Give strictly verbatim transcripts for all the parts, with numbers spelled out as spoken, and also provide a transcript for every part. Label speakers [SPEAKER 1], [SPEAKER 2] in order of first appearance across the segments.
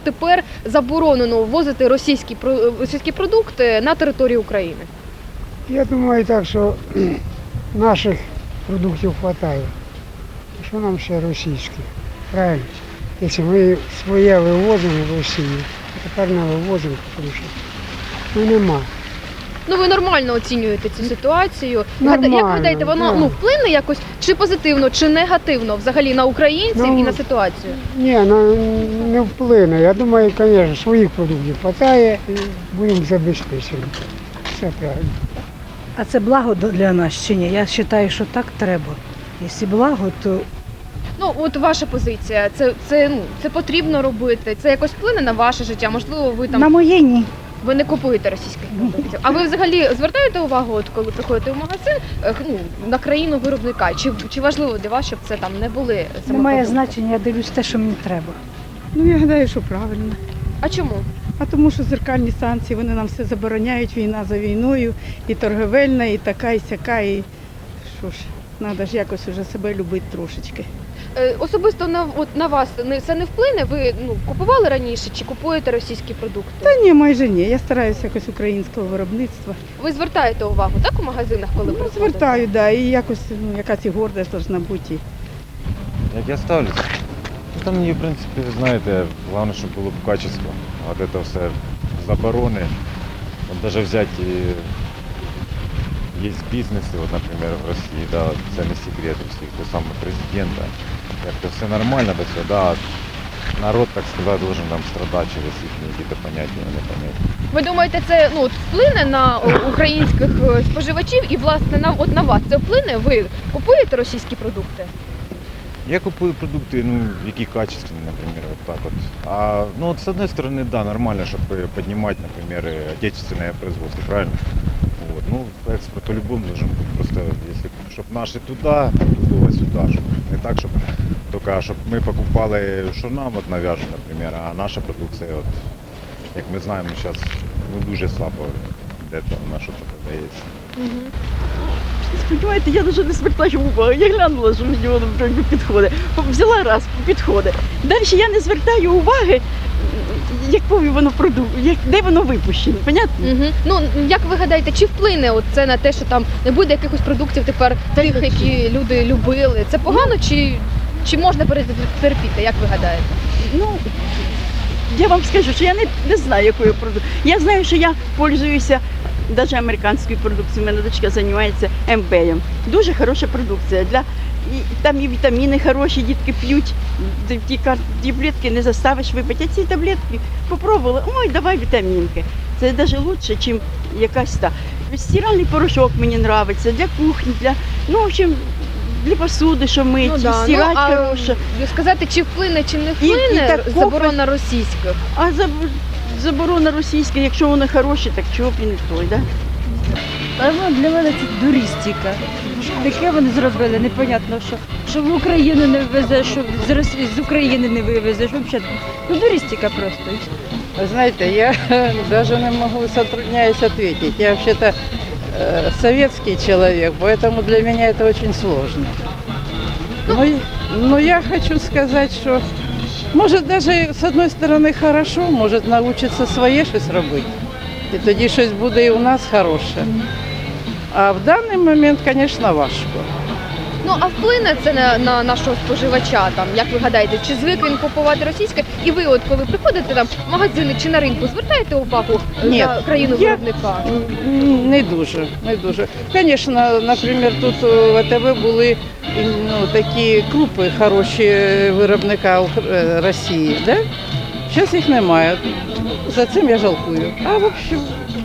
[SPEAKER 1] тепер заборонено ввозити російські, російські продукти на територію України?
[SPEAKER 2] Я думаю так, що наших продуктів вистачає. Що нам ще російських? Правильно? Якщо ми своє вивозимо в Росію, то тепер не вивозимо, тому що ну, нема.
[SPEAKER 1] Ну, ви нормально оцінюєте цю ситуацію.
[SPEAKER 2] Нормально,
[SPEAKER 1] Як ви гадаєте, воно
[SPEAKER 2] да.
[SPEAKER 1] ну, вплине якось чи позитивно, чи негативно взагалі на українців
[SPEAKER 2] Ну,
[SPEAKER 1] і на ситуацію?
[SPEAKER 2] Ні, ну, не вплине. Я думаю, звісно, своїх продуктів вистачає і будемо забезпечені. Все правильно.
[SPEAKER 3] А це благо для нас чи ні? Я вважаю, що так треба. Якщо благо, то
[SPEAKER 1] Ну, от ваша позиція, це, це, ну, це потрібно робити, це якось вплине на ваше життя, можливо, ви там
[SPEAKER 3] на моє ні.
[SPEAKER 1] ви не купуєте російських продуктів. А ви взагалі звертаєте увагу, от коли приходите в магазин, е, ну, на країну виробника? Чи, чи важливо для вас, щоб це там не були саме
[SPEAKER 3] Немає
[SPEAKER 1] продукти?
[SPEAKER 3] значення, я дивлюсь те, що мені треба.
[SPEAKER 4] Ну, я гадаю, що правильно.
[SPEAKER 1] А чому?
[SPEAKER 4] А тому що зеркальні санкції, вони нам все забороняють, війна за війною, і торговельна, і така, і сяка, і що ж, треба ж якось уже себе любити трошечки.
[SPEAKER 1] Е, особисто на, от, на вас не- це не вплине? Ви ну, купували раніше чи купуєте російські продукти?
[SPEAKER 4] Та ні, майже ні. Я стараюся якось українського виробництва.
[SPEAKER 1] Ви звертаєте увагу, так, у магазинах, коли
[SPEAKER 4] Ну,
[SPEAKER 1] приходите?
[SPEAKER 4] звертаю, да, і якось ну, якась і гордість повинна бути.
[SPEAKER 5] Як я ставлюсь? Та мені, в принципі, знаєте, головне, щоб було б качество. От це все заборони. От навіть взяти, є бізнеси, от, наприклад, в Росії, да, це не секрет у всіх, до самого президента. Як то все нормально до цього, да, народ, так сказати, должен там страдати через їхні якісь поняття, непоняття.
[SPEAKER 1] Ви думаєте, це ну, от, вплине на о, українських е, споживачів і, власне, на, от, на вас це вплине? Ви купуєте російські продукти?
[SPEAKER 5] Я купую продукти, ну, які качественні, наприклад, вот так вот. А, ну, вот, с одной стороны, да, нормально, чтобы поднимать, например, отечественное производство, правильно? Вот. Ну, экспорт по-любому должен быть. Просто, если, чтобы наши туда, другого сюда, чтобы не так, чтобы только, чтобы мы покупали, що нам от нав'яжуть, наприклад, а наша продукція, от, як ми знаємо, зараз ну, дуже слабо де там на що це продається.
[SPEAKER 6] Сподіваєте, я навіть не звертаю уваги. Я глянула, що мені воно вже не підходить. Взяла раз, підходить. Далі я не звертаю уваги, якою воно продукт, як, де воно випущено, понятно?
[SPEAKER 1] Угу. Ну, як ви гадаєте, чи вплине от це на те, що там не буде якихось продуктів тепер тих, які люди любили? Це погано чи, чи можна перетерпіти, як ви гадаєте?
[SPEAKER 6] Ну, я вам скажу, що я не, не знаю, якою продукцією. Я знаю, що я пользуюся навіть американською продукцією. У мене дочка займається ем бе ем. Дуже хороша продукція. Для, і, там і вітаміни хороші, дітки п'ють. Ті, ті таблетки не заставиш випити. А ці таблетки попробували, ой, давай вітамінки. Це навіть краще, ніж якась та. Стиральний порошок мені подобається, для кухні, для, ну, в общем, для посуди, що мить,
[SPEAKER 1] Ну, да.
[SPEAKER 6] стирати
[SPEAKER 1] ну, а
[SPEAKER 6] хороше.
[SPEAKER 1] сказати, чи вплине, чи не
[SPEAKER 6] і
[SPEAKER 1] вплине
[SPEAKER 6] такого-
[SPEAKER 1] заборона російських?
[SPEAKER 6] А заб- заборона російська, якщо воно хороше, так чого б і не той, да?
[SPEAKER 3] А ну, для мене це дурістика. Таке вони зробили, непонятно, що, що в Україну не ввезеш, що з, Росії, з України не вивезеш. Взагалі, ну дурістика просто. і все.
[SPEAKER 7] Вы знаете, я даже не могу, затрудняюсь ответить. Я вообще-то э, советский человек, поэтому для меня это очень сложно. Но, но я хочу сказать, что может даже с одной стороны хорошо, может научиться своє щось робити. І тоді щось буде і у нас хороше. А в даний момент, звісно, важко.
[SPEAKER 1] Ну, а вплине це на, на нашого споживача, там, як ви гадаєте, чи звик він купувати російське? І ви, от коли приходите там в магазини чи на ринку, звертаєте увагу е,
[SPEAKER 7] Ні,
[SPEAKER 1] на країну
[SPEAKER 7] я-
[SPEAKER 1] виробника?
[SPEAKER 7] М, Не дуже, не дуже. Звісно, наприклад, тут в а те ве були ну, такі крупи хороші виробника Ук- е, Росії, да? Зараз їх немає. За цим я жалкую. А в общем,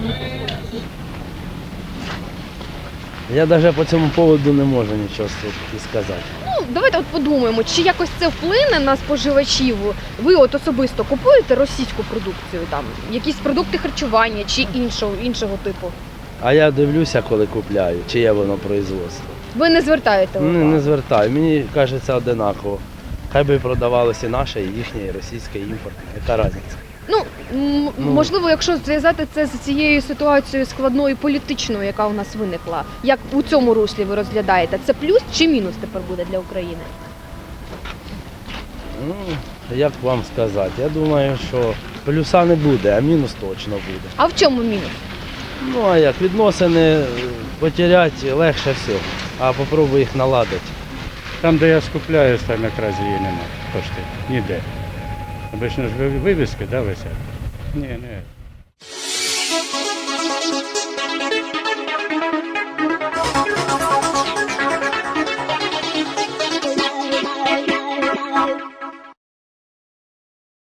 [SPEAKER 8] Я навіть по цьому поводу не можу нічого сказати.
[SPEAKER 1] Ну, давайте от подумаємо, чи якось це вплине на споживачів? Ви от особисто купуєте російську продукцію, там, якісь продукти харчування чи іншого, іншого типу?
[SPEAKER 8] А я дивлюся, коли купляю, чиє воно производство.
[SPEAKER 1] Ви не звертаєте увагу?
[SPEAKER 8] Не, не звертаю, мені кажеться одинаково. Хай би продавалося і наше, і їхнє, і російське, і імпортне. Яка різниця?
[SPEAKER 1] Ну, м-
[SPEAKER 8] Ну.
[SPEAKER 1] можливо, якщо зв'язати це з цією ситуацією складною політичною, яка у нас виникла, як у цьому руслі ви розглядаєте, це плюс чи мінус тепер буде для України?
[SPEAKER 8] Ну, як вам сказати, я думаю, що плюса не буде, а мінус точно буде.
[SPEAKER 1] А в чому мінус?
[SPEAKER 8] Ну а як відносини е, потеряти легше всього, а попробуй їх наладити.
[SPEAKER 9] Там, де я скупляюсь, там якраз її немає. Пошти. Ніде. Обично ж ви- вивіски, да, висять? Ні, ні.